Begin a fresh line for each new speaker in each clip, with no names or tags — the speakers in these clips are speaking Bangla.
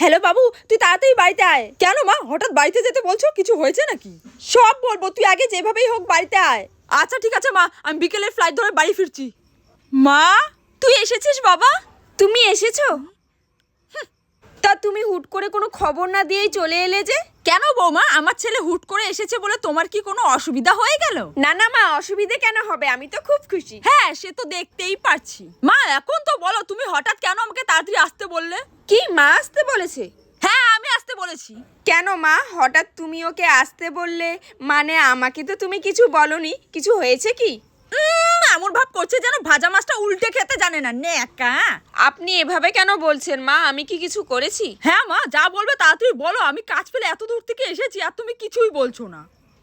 হ্যালো বাবু, তুই তাড়াতাড়ি বাড়িতে আয়। কেন মা, হঠাৎ বাড়িতে যেতে বলছো? কিছু হয়েছে নাকি? সব বলবো, তুই আগে যেভাবেই হোক বাড়িতে আয়। আচ্ছা ঠিক আছে মা, আমি বিকেলের ফ্লাইট ধরে বাড়ি ফিরছি। মা, তুই এসেছিস বাবা? তুমি এসেছো? তা তুমি হুট করে কোনো খবর না দিয়েই চলে এলে যে? কেন বৌমা, আমার ছেলে হুট করে এসেছে বলে তোমার কি কোনো অসুবিধা হয়ে গেল? না না মা, অসুবিধা কেন হবে, আমি তো খুব খুশি। হ্যাঁ, সে তো দেখতেই পারছি। মা এখন তো বলো, তুমি হঠাৎ কেন আমাকে তাড়াতাড়ি আসতে বললে? কি মা আসতে বলেছে? হ্যাঁ, আমি আসতে বলেছি। কেন মা, হঠাৎ তুমি ওকে আসতে বললে? মানে আমাকে তো তুমি কিছু বলনি, কিছু হয়েছে কি? এমন ভাব করছে যেন ভাজা মাছটা উল্টে খেতে জানে না, নেকা। আপনি এভাবে কেন বলছেন মা, আমি কি কিছু করেছি? হ্যাঁ মা, যা বলবে তাড়াতাড়ি বলো, আমি কাজ ফেলে এত দূর থেকে এসেছি আর তুমি কিছুই বলছো না।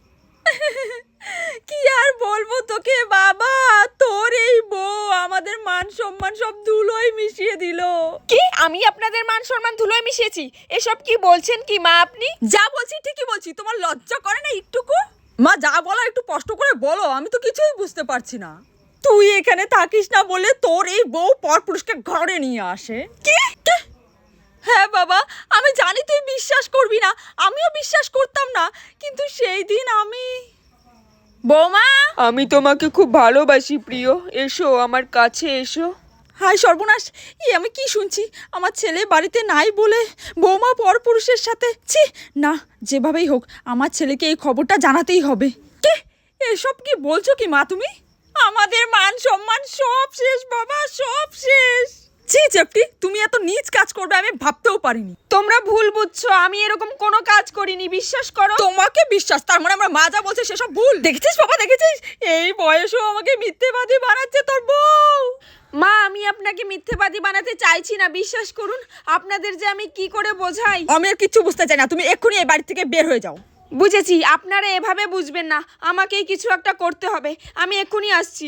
কি আর বলবো তোকে বাবা, তোর এই বউ আমাদের মান সম্মান সব ধুলোয় মিশিয়ে দিল। কি, আমি আপনাদের মান সম্মান ধুলোয় মিশিয়েছি? এসব কি বলছেন কি মা আপনি? যা বলছি ঠিকই বলছি, তোমার লজ্জা করে না একটুকু? মা যা বলার একটু কষ্ট করে বলো, আমি তো কিছুই বুঝতে পারছি না। তুই এখানে থাকিস না বলে তোর এই বউ পরপুরুষকে ঘরে নিয়ে আসে। কি? হ্যাঁ বাবা, আমি জানি তুই বিশ্বাস করবি না, আমিও বিশ্বাস করতাম না, কিন্তু সেই দিন আমি... বৌমা,
আমি তোমাকে খুব ভালোবাসি প্রিয়, এসো আমার কাছে এসো।
হায় সর্বনাশ, আমি কি শুনছি? আমার ছেলে বাড়িতে নাই বলে বৌমা পরপুরুষের সাথে? ছি না, যেভাবেই হোক আমার ছেলেকে এই খবরটা জানাতেই হবে। কে, এসব কি বলছো কি মা তুমি? আমাদের মান সম্মান সব শেষ বাবা, সব শেষ। ছি চেপটি, তুমি এত নীচ কাজ করবে আমি ভাবতেও পারিনি। তোমরা ভুল বুঝছো, আমি এরকম কোনো কাজ করিনি, বিশ্বাস করো। তোমাকে বিশ্বাস, তার মানে আমার মা যা বলছে সেসব ভুল? দেখেছিস বাবা, দেখেছিস? এই বয়সেও আমাকে মিথ্যেবাদী বানাচ্ছে তোর বউ। মা, আমি আপনাকে মিথ্যেবাদী বানাতে চাইছি না, বিশ্বাস করুন। আপনাদের যে আমি কি করে বোঝাই। আমি আর কিচ্ছু বুঝতে চাই না, তুমি এক্ষুনি এই বাড়ি থেকে বের হয়ে যাও। বুঝেছি, আপনারা এভাবে বুঝবেন না, আমাকেই কিছু একটা করতে হবে, আমি এক্ষুনি আসছি।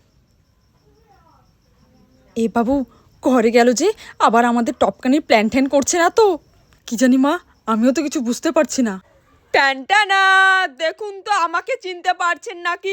এ বাবু, ঘরে গেল যে, আবার আমাদের টপকানির প্ল্যান ট্যান করছে না তো? কি জানি মা, আমিও তো কিছু বুঝতে পারছি না। ট্যানটানা, দেখুন তো আমাকে চিনতে পারছেন নাকি?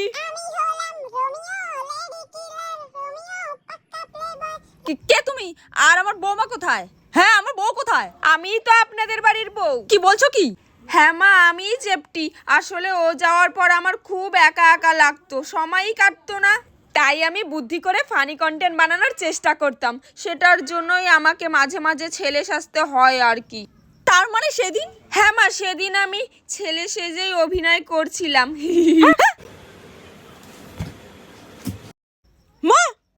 কে তুমি? আর আমার বৌমা কোথায়? হ্যাঁ, আমার বউ কোথায়? আমিই তো আপনাদের বাড়ির বউ। কি বলছো কি? হ্যাঁ মা, আমিই চেপটি। আসলে ও যাওয়ার পর আমার খুব একা একা লাগতো, সময়ই কাটতো না, তাই আমি বুদ্ধি করে ফানি কন্টেন্ট বানানোর চেষ্টা করতাম। সেটার জন্যই আমাকে মাঝে মাঝে ছেলে সাজতে হয় আর কি। তার মানে সেদিন? হ্যাঁ মা, সেদিন আমি ছেলে সেজেই অভিনয় করছিলাম। মা